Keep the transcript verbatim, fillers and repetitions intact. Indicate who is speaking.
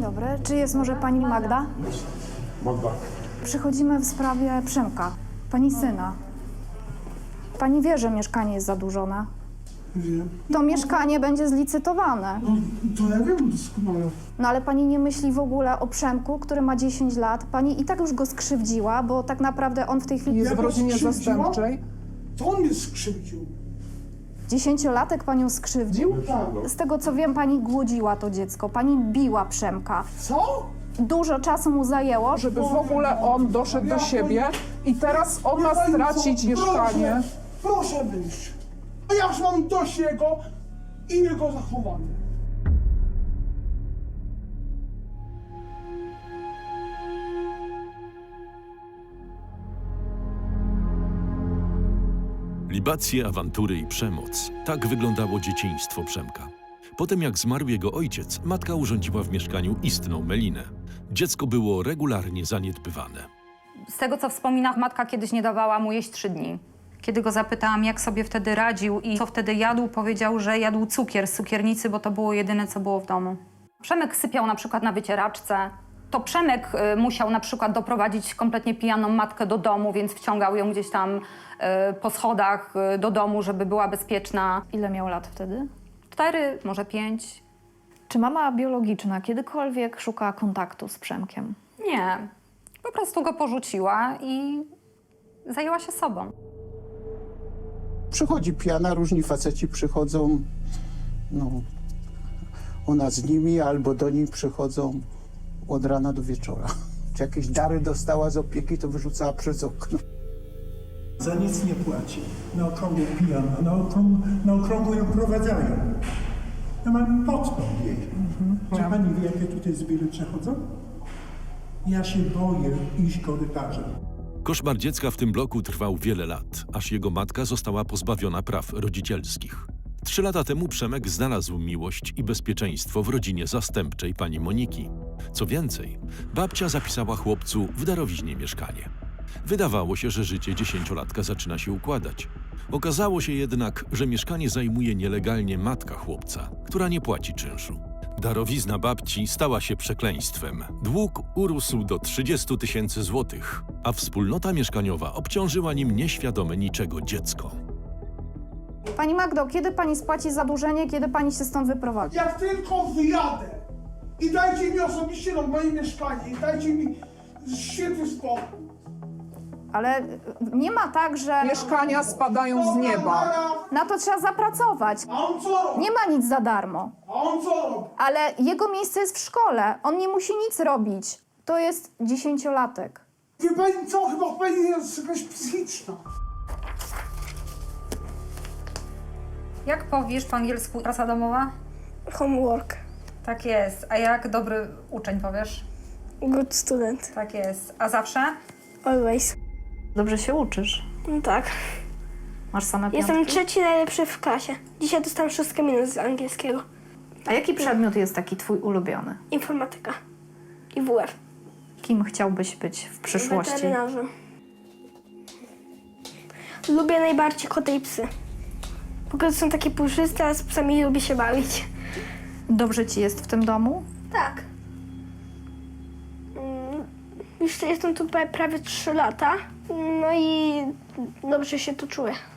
Speaker 1: dobry. Czy jest może pani Magda?
Speaker 2: Magda.
Speaker 1: Przychodzimy w sprawie Przemka, pani syna. Pani wie, że mieszkanie jest zadłużone.
Speaker 2: Wiem.
Speaker 1: To mieszkanie będzie zlicytowane.
Speaker 2: No, to ja wiem doskonale.
Speaker 1: No ale pani nie myśli w ogóle o Przemku, który ma dziesięć lat. Pani i tak już go skrzywdziła, bo tak naprawdę on w tej chwili...
Speaker 3: Jest
Speaker 2: Ja
Speaker 3: w
Speaker 2: go
Speaker 3: rodzinie
Speaker 2: skrzywdziłam?
Speaker 3: zastępczej.
Speaker 2: To on mnie skrzywdził.
Speaker 1: Dziesięciolatek panią skrzywdził?
Speaker 2: Tak.
Speaker 1: Z tego co wiem, pani głodziła to dziecko. Pani biła Przemka.
Speaker 2: Co?
Speaker 1: Dużo czasu mu zajęło.
Speaker 3: Żeby w ogóle on doszedł do siebie i teraz on ma stracić mieszkanie.
Speaker 2: Proszę, proszę wyjść. A ja już mam dość jego i jego zachowania.
Speaker 4: Libacje, awantury i przemoc. Tak wyglądało dzieciństwo Przemka. Potem jak zmarł jego ojciec, matka urządziła w mieszkaniu istną melinę. Dziecko było regularnie zaniedbywane.
Speaker 5: Z tego, co wspomina, matka kiedyś nie dawała mu jeść trzy dni. Kiedy go zapytałam, jak sobie wtedy radził i co wtedy jadł, powiedział, że jadł cukier z cukiernicy, bo to było jedyne, co było w domu. Przemek sypiał na przykład na wycieraczce. To Przemek y, musiał na przykład doprowadzić kompletnie pijaną matkę do domu, więc wciągał ją gdzieś tam y, po schodach y, do domu, żeby była bezpieczna.
Speaker 1: Ile miał lat wtedy?
Speaker 5: Cztery, może pięć.
Speaker 1: Czy mama biologiczna kiedykolwiek szuka kontaktu z Przemkiem?
Speaker 5: Nie. Po prostu go porzuciła i zajęła się sobą.
Speaker 6: Przychodzi pijana, różni faceci przychodzą, no, ona z nimi albo do niej przychodzą od rana do wieczora. Czy jakieś dary dostała z opieki, to wyrzucała przez okno.
Speaker 7: Za nic nie płaci. Na okrągło pijana, na okrągło, na okrągło ją prowadzają. Ja mam podstąd jej. Czy pani wie, jakie tutaj zbiory przechodzą? Ja się boję iść korytarzem.
Speaker 4: Koszmar dziecka w tym bloku trwał wiele lat, aż jego matka została pozbawiona praw rodzicielskich. Trzy lata temu Przemek znalazł miłość i bezpieczeństwo w rodzinie zastępczej pani Moniki. Co więcej, babcia zapisała chłopcu w darowiźnie mieszkanie. Wydawało się, że życie dziesięciolatka zaczyna się układać. Okazało się jednak, że mieszkanie zajmuje nielegalnie matka chłopca, która nie płaci czynszu. Darowizna babci stała się przekleństwem. Dług urósł do trzydziestu tysięcy złotych, a wspólnota mieszkaniowa obciążyła nim nieświadome niczego dziecko.
Speaker 1: Pani Magdo, kiedy pani spłaci zadłużenie, kiedy pani się stąd wyprowadzi?
Speaker 2: Jak tylko wyjadę i dajcie mi osobiście na moje mieszkanie i dajcie mi świetny spokój.
Speaker 1: Ale nie ma tak, że
Speaker 3: Mieszkania spadają z nieba.
Speaker 1: na to trzeba zapracować.
Speaker 2: A on co robi?
Speaker 1: Nie ma nic za darmo.
Speaker 2: A on co robi?
Speaker 1: Ale jego miejsce jest w szkole. On nie musi nic robić. To jest dziesięciolatek.
Speaker 2: Wie pani co? Chyba pani jest jakaś psychiczna.
Speaker 5: Jak powiesz po angielsku praca domowa?
Speaker 8: Homework.
Speaker 5: Tak jest. A jak dobry uczeń powiesz?
Speaker 8: Good student.
Speaker 5: Tak jest. A zawsze?
Speaker 8: Always.
Speaker 1: Dobrze się uczysz.
Speaker 8: No tak.
Speaker 1: Masz same piątki.
Speaker 8: Jestem trzeci najlepszy w klasie. Dzisiaj dostałem szóstkę minus z angielskiego.
Speaker 1: A jaki przedmiot jest taki twój ulubiony?
Speaker 8: Informatyka. I W F.
Speaker 1: Kim chciałbyś być w przyszłości?
Speaker 8: Weterynarzem. Lubię najbardziej koty i psy. Po prostu są takie puszyste, a z psami lubię się bawić.
Speaker 1: Dobrze ci jest w tym domu?
Speaker 8: Tak. Mm, Już jestem tu pra- prawie trzy lata. No i dobrze się tu czuję.